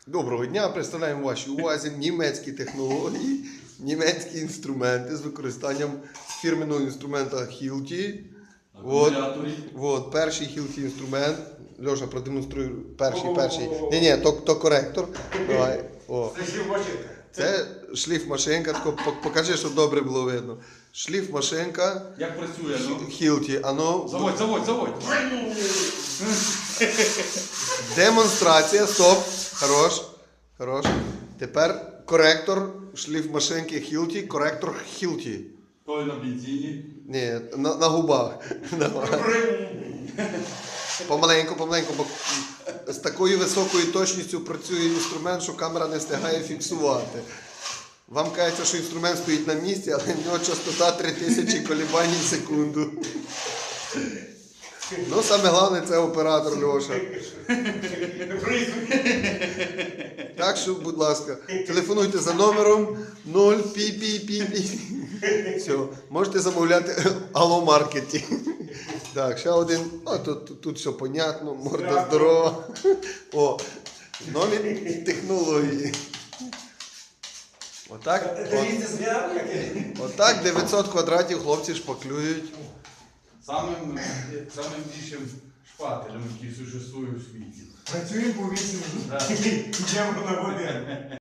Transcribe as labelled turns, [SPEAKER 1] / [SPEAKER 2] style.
[SPEAKER 1] Доброго дня, представляємо вашій увазі німецькі технології, німецькі інструменти з використанням фірменного інструмента Hilti. От, перший Hilti інструмент. Льоша, продемонструй перший. Ні, то коректор. Давай. О.
[SPEAKER 2] Це шліф-машинка.
[SPEAKER 1] Це шліф-машинка, покажи, щоб добре було видно. Шліф-машинка.
[SPEAKER 3] Як працює, ну?
[SPEAKER 1] Hilti.
[SPEAKER 3] Заводь.
[SPEAKER 1] Демонстрація, стоп. Хорош. Тепер коректор шліф-машинки Hilti, коректор Hilti.
[SPEAKER 3] Той на бензині.
[SPEAKER 1] Ні, на губах. Помаленьку, бо з такою високою точністю працює інструмент, що камера не встигає фіксувати. Вам кажеться, що інструмент стоїть на місці, але в нього частота 3000 колебань в секунду. Ну, саме головне це оператор Льоша. Так що, будь ласка, телефонуйте за номером 0 пі. Все, можете замовляти алло-маркеті. Так, ще один. О, тут все понятно, морда здорова. О, нові технології. Отак 900 квадратів хлопці шпаклюють.
[SPEAKER 3] Самим більшим шпателем, який существує у світі.
[SPEAKER 2] Працюємо по 8 днів. Йдемо на води.